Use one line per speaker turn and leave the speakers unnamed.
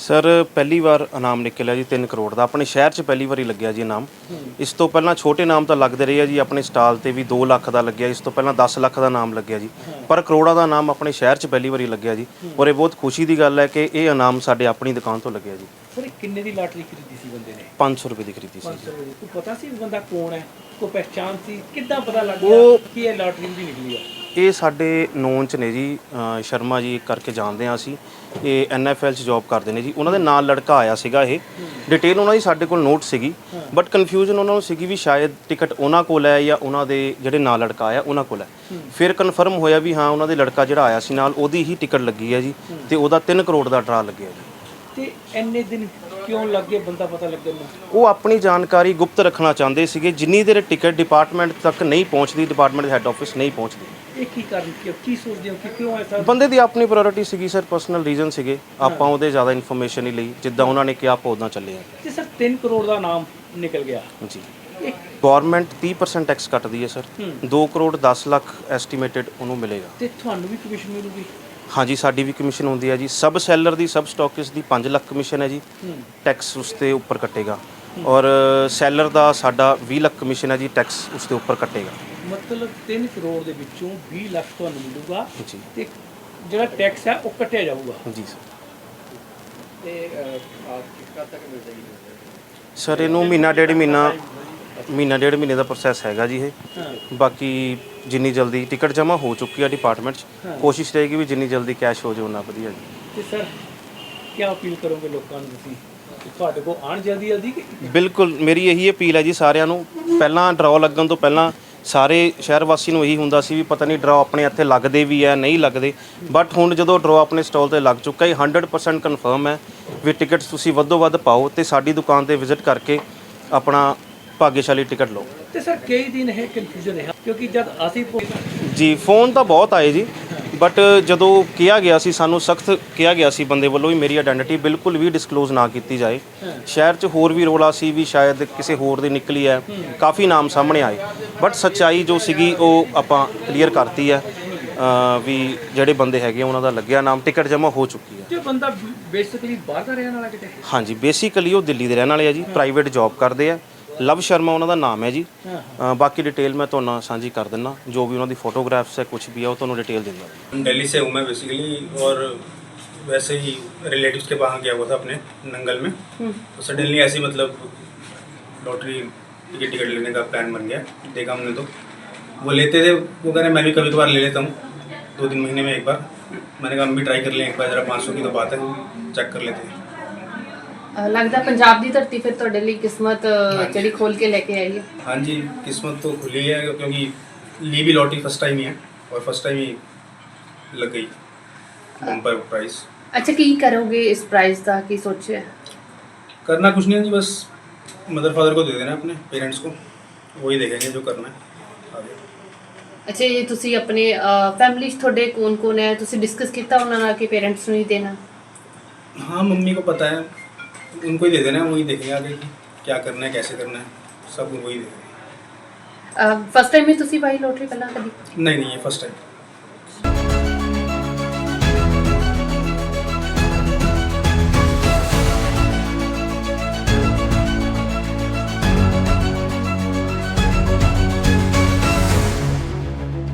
Sir पहली बार इनाम निकलिਆ जी 3 ਕਰੋੜ ਦਾ ਆਪਣੇ ਸ਼ਹਿਰ 'ਚ ਪਹਿਲੀ ਵਾਰੀ ਲੱਗਿਆ ਜੀ ਇਨਾਮ। ਇਸ ਤੋਂ ਪਹਿਲਾਂ ਛੋਟੇ ਇਨਾਮ ਤਾਂ ਲੱਗਦੇ ਰਹੇ ਆ ਜੀ, ਆਪਣੇ ਸਟਾਲ ਤੇ ਵੀ 2 ਲੱਖ ਦਾ ਲੱਗਿਆ, ਇਸ ਤੋਂ ਪਹਿਲਾਂ 10 ਲੱਖ ਦਾ ਇਨਾਮ ਲੱਗਿਆ ਜੀ, ਪਰ ਕਰੋੜਾਂ ਦਾ ਇਨਾਮ ਆਪਣੇ ਸ਼ਹਿਰ 'ਚ ਪਹਿਲੀ ਵਾਰੀ ਲੱਗਿਆ ਜੀ। ਔਰ ਇਹ ਬਹੁਤ ਖੁਸ਼ੀ ਦੀ ਗੱਲ ਹੈ ਕਿ ਇਹ ਇਨਾਮ ਸਾਡੇ ਆਪਣੀ ਦੁਕਾਨ ਤੋਂ ਲੱਗਿਆ ਜੀ।
ਸਰ ਕਿੰਨੇ ਦੀ ਲਾਟਰੀ ਖਰੀਦੀ ਸੀ ਬੰਦੇ ਨੇ?
500 ਰੁਪਏ ਦੀ ਖਰੀਦੀ ਸੀ।
500 ਰੁਪਏ ਦੀ। ਪਤਾ ਸੀ ਬੰਦਾ ਕੌਣ ਹੈ, ਕੋਈ ਪਹਿਚਾਣ ਸੀ, ਕਿੱਦਾਂ ਪਤਾ ਲੱਗ ਗਿਆ ਕਿ ਇਹ ਲਾਟਰੀ ਦੀ ਨਿਕਲੀ ਆ?
ਇਹ ਸਾਡੇ ਨੋਨ 'ਚ ਨੇ ਜੀ, ਸ਼ਰਮਾ ਜੀ ਕਰਕੇ ਜਾਣਦੇ ਹਾਂ ਅਸੀਂ। ਇਹ NFL 'ਚ ਜੌਬ ਕਰਦੇ ਨੇ ਜੀ। ਉਹਨਾਂ ਦੇ ਨਾਲ ਲੜਕਾ ਆਇਆ ਸੀਗਾ। ਇਹ ਡਿਟੇਲ ਉਹਨਾਂ ਦੀ ਸਾਡੇ ਕੋਲ ਨੋਟ ਸੀਗੀ, ਬਟ ਕਨਫਿਊਜ਼ਨ ਉਹਨਾਂ ਨੂੰ ਸੀਗੀ ਵੀ ਸ਼ਾਇਦ ਟਿਕਟ ਉਹਨਾਂ ਕੋਲ ਹੈ ਜਾਂ ਉਹਨਾਂ ਦੇ ਜਿਹੜੇ ਨਾਲ ਲੜਕਾ ਆਇਆ ਉਹਨਾਂ ਕੋਲ ਹੈ। ਫਿਰ ਕਨਫਰਮ ਹੋਇਆ ਵੀ ਹਾਂ ਉਹਨਾਂ ਦੇ ਲੜਕਾ ਜਿਹੜਾ ਆਇਆ ਸੀ ਨਾਲ ਉਹਦੀ ਹੀ ਟਿਕਟ ਲੱਗੀ ਹੈ ਜੀ, ਤੇ ਉਹਦਾ 3 ਕਰੋੜ ਦਾ ਡਰਾ ਲੱਗਿਆ ਜੀ।
ਤੇ ਇੰਨੇ ਦਿਨ ਕਿਉਂ ਲੱਗੇ ਬੰਦਾ ਪਤਾ ਲੱਗਣ ਨੂੰ?
ਉਹ ਆਪਣੀ ਜਾਣਕਾਰੀ ਗੁਪਤ ਰੱਖਣਾ ਚਾਹੁੰਦੇ ਸੀਗੇ। ਜਿੰਨੀ ਦੇਰ ਟਿਕਟ ਡਿਪਾਰਟਮੈਂਟ ਤੱਕ ਨਹੀਂ ਪਹੁੰਚਦੀ, ਡਿਪਾਰਟਮੈਂਟ ਦੇ ਹੈੱਡ ਆਫਿਸ ਨਹੀਂ ਪਹੁੰਚਦੀ।
ਇਹ ਕੀ ਕਾਰਨ, ਕੀ ਸੋਚਦੇ ਹੋ ਕਿ ਕਿਉਂ ਐਸਾ?
ਬੰਦੇ ਦੀ ਆਪਣੀ ਪ੍ਰਾਇੋਰਟੀ ਸੀਗੀ ਸਰ, ਪਰਸਨਲ ਰੀਜ਼ਨ ਸੀਗੇ। ਆਪਾਂ ਉਹਦੇ ਜ਼ਿਆਦਾ ਇਨਫੋਰਮੇਸ਼ਨ ਹੀ ਲਈ, ਜਿੱਦਾਂ ਉਹਨਾਂ ਨੇ ਕਿਹਾ ਆਪਾਂ ਉੱਦਾਂ ਚੱਲੇ ਆ।
ਤੇ ਸਰ 3 ਕਰੋੜ ਦਾ ਨਾਮ ਨਿਕਲ ਗਿਆ
ਜੀ। ਗਵਰਨਮੈਂਟ 30% ਟੈਕਸ ਕੱਟਦੀ ਹੈ ਸਰ। 2 ਕਰੋੜ 10 ਲੱਖ ਐਸਟੀਮੇਟਡ ਉਹਨੂੰ ਮਿਲੇਗਾ।
ਤੇ ਤੁਹਾਨੂੰ ਵੀ ਕਮਿਸ਼ਨ ਮਿਲੂਗੀ?
ਹਾਂਜੀ, ਸਾਡੀ ਵੀ ਕਮਿਸ਼ਨ ਹੁੰਦੀ ਹੈ ਜੀ। ਸਬ ਸੈਲਰ ਦੀ, ਸਬ ਸਟਾਕਿਸਟ ਦੀ 5 ਲੱਖ ਕਮਿਸ਼ਨ ਹੈ ਜੀ। ਟੈਕਸ ਉਸ ਤੇ ਉੱਪਰ ਕੱਟੇਗਾ। ਔਰ ਸੈਲਰ ਦਾ ਸਾਡਾ 20 ਲੱਖ ਕਮਿਸ਼ਨ ਹੈ ਜੀ, ਟੈਕਸ ਉਸ ਦੇ ਉੱਪਰ ਕੱਟੇਗਾ।
ਮਤਲਬ 3 ਕਰੋੜ ਦੇ ਵਿੱਚੋਂ 20 ਲੱਖ ਤੁਹਾਨੂੰ ਮਿਲੂਗਾ
ਜੀ,
ਤੇ ਜਿਹੜਾ ਟੈਕਸ ਹੈ ਉਹ ਕੱਟਿਆ ਜਾਊਗਾ।
ਜੀ ਸਰ।
ਤੇ ਕਦ ਤੱਕ ਮਿਲ ਜਾਏਗੀ
ਸਰ ਇਹਨੂੰ ਮਹੀਨਾ ਡੇਢ ਮਹੀਨੇ ਦਾ ਪ੍ਰੋਸੈਸ ਹੈਗਾ ਜੀ ਇਹ। ਬਾਕੀ ਜਿੰਨੀ ਜਲਦੀ ਟਿਕਟ ਜਮ੍ਹਾਂ ਹੋ ਚੁੱਕੀ ਹੈ ਡਿਪਾਰਟਮੈਂਟ 'ਚ, ਕੋਸ਼ਿਸ਼ ਰਹੇਗੀ ਵੀ ਜਿੰਨੀ ਜਲਦੀ ਕੈਸ਼ ਹੋ ਜਾਏ ਉਨਾ ਵਧੀਆ ਜੀ।
ਤੇ ਸਰ ਕੀ ਅਪੀਲ ਕਰੋਗੇ ਲੋਕਾਂ ਨੂੰ ਤੁਸੀਂ ਕਿ ਤੁਹਾਡੇ ਕੋਲ ਆਉਣ ਜਲਦੀ ਕਿ?
ਬਿਲਕੁਲ ਮੇਰੀ ਇਹੀ ਅਪੀਲ ਹੈ ਜੀ ਸਾਰਿਆਂ ਨੂੰ। ਪਹਿਲਾਂ ਡਰਾਅ ਲੱਗਣ ਤੋਂ ਪਹਿਲਾਂ ਸਾਰੇ ਸ਼ਹਿਰ ਵਾਸੀ ਨੂੰ ਇਹੀ ਹੁੰਦਾ ਸੀ ਵੀ ਪਤਾ ਨਹੀਂ ਡਰਾਅ ਆਪਣੇ ਇੱਥੇ ਲੱਗਦੇ ਵੀ ਹੈ ਨਹੀਂ ਲੱਗਦੇ, ਬਟ ਹੁਣ ਜਦੋਂ ਡਰਾਅ ਆਪਣੇ ਸਟਾਲ ਤੇ ਲੱਗ ਚੁੱਕਾ ਹੈ 100% ਕਨਫਰਮ ਹੈ ਵੀ ਟਿਕਟਸ ਤੁਸੀਂ ਵੱਧੋ ਵੱਧ ਪਾਓ ਤੇ ਸਾਡੀ ਦੁਕਾਨ ਤੇ ਵਿਜ਼ਿਟ ਕਰਕੇ ਆਪਣਾ ਭਾਗਿਆਸ਼ਾਲੀ ਟਿਕਟ ਲਓ।
ਤੇ ਸਰ ਕਈ ਦਿਨ ਇਹ ਕਨਫਿਊਜ਼ਨ ਰਿਹਾ ਕਿਉਂਕਿ ਜਦ ਅਸੀਂ
ਜੀ ਫੋਨ ਤਾਂ ਬਹੁਤ ਆਏ ਜੀ, ਬਟ ਜਦੋਂ ਕਿਹਾ ਗਿਆ ਸੀ, ਸਾਨੂੰ ਸਖਤ ਕਿਹਾ ਗਿਆ ਸੀ ਬੰਦੇ ਵੱਲੋਂ ਵੀ ਮੇਰੀ ਆਇਡੈਂਟੀਟੀ ਬਿਲਕੁਲ ਵੀ ਡਿਸਕਲੋਜ਼ ਨਾ ਕੀਤੀ ਜਾਏ। ਸ਼ਹਿਰ 'ਚ ਹੋਰ ਵੀ ਰੌਲਾ ਸੀ ਵੀ ਸ਼ਾਇਦ ਕਿਸੇ ਹੋਰ ਦੀ ਨਿਕਲੀ ਹੈ, ਕਾਫੀ ਨਾਮ ਸਾਹਮਣੇ ਆਏ, ਬਟ ਸੱਚਾਈ ਜੋ ਸੀਗੀ ਉਹ ਆਪਾਂ ਕਲੀਅਰ ਕਰਤੀ ਹੈ ਵੀ ਜਿਹੜੇ ਬੰਦੇ ਹੈਗੇ ਉਹਨਾਂ ਦਾ ਲੱਗਿਆ ਨਾਮ, ਟਿਕਟ ਜਮ੍ਹਾਂ ਹੋ ਚੁੱਕੀ ਹੈ।
ਜੋ ਬੰਦਾ ਬੇਸਿਕਲੀ ਬਾਹਰ ਦਾ ਰਹਿਣ ਵਾਲਾ ਕਿਤੇ?
ਹਾਂਜੀ, ਬੇਸਿਕਲੀ ਉਹ ਦਿੱਲੀ ਦੇ ਰਹਿਣ ਵਾਲੇ ਆ ਜੀ, ਪ੍ਰਾਈਵੇਟ ਜੌਬ ਕਰਦੇ ਆ। ਲਵ ਸ਼ਰਮਾ ਉਹਨਾਂ ਦਾ ਨਾਮ है जी। बाकी डिटेल मैं तो साझी कर देना, जो भी उन्होंने फोटोग्राफ्स है कुछ भी है वो तो डिटेल दे दूँगा।
दिल्ली से हूँ मैं बेसिकली, और वैसे ही रिलेटिव्स के वहाँ गया हुआ था अपने नंगल में, तो सडनली ऐसे मतलब लॉटरी टिकट लेने का प्लान बन गया। देखा हमने तो वो लेते थे, वो कह रहे मैं भी कभी कभार ले लेता हूँ 2-3 महीने में एक बार। मैंने कहा हम भी ट्राई कर लें एक बार, ज़रा 500 की तो बात है, चेक कर लेते हैं।
लगता पंजाब की धरती फिर ਤੁਹਾਡੇ ਲਈ किस्मत ਜਿਹੜੀ खोल के लेके आई है?
हाँ जी, किस्मत तो खुली है क्योंकि ली भी लॉटरी फर्स्ट टाइम ही है और फर्स्ट टाइम ही लग गई बम्पर प्राइस।
अच्छा, की करोगे इस प्राइस का, की सोचे?
करना कुछ नहीं है जी, बस मदर फादर को दे देना, अपने पेरेंट्स को, वही देखेंगे जो करना है आगे।
अच्छा, ये तुसी अपने फैमिली ਤੁਹਾਡੇ कौन है, तुसी डिस्कस किया ਉਹਨਾਂ ਨਾਲ कि पेरेंट्स ਨੂੰ ही देना?
हाँ, मम्मी को पता है, उनको ही दे देना है, वही देखेंगे आगे कि क्या करना है, कैसे करना है, सब वही देखेंगे।
फर्स्ट टाइम ही तुसी पाई लॉटरी पहला कभी?
नहीं, ये फर्स्ट टाइम।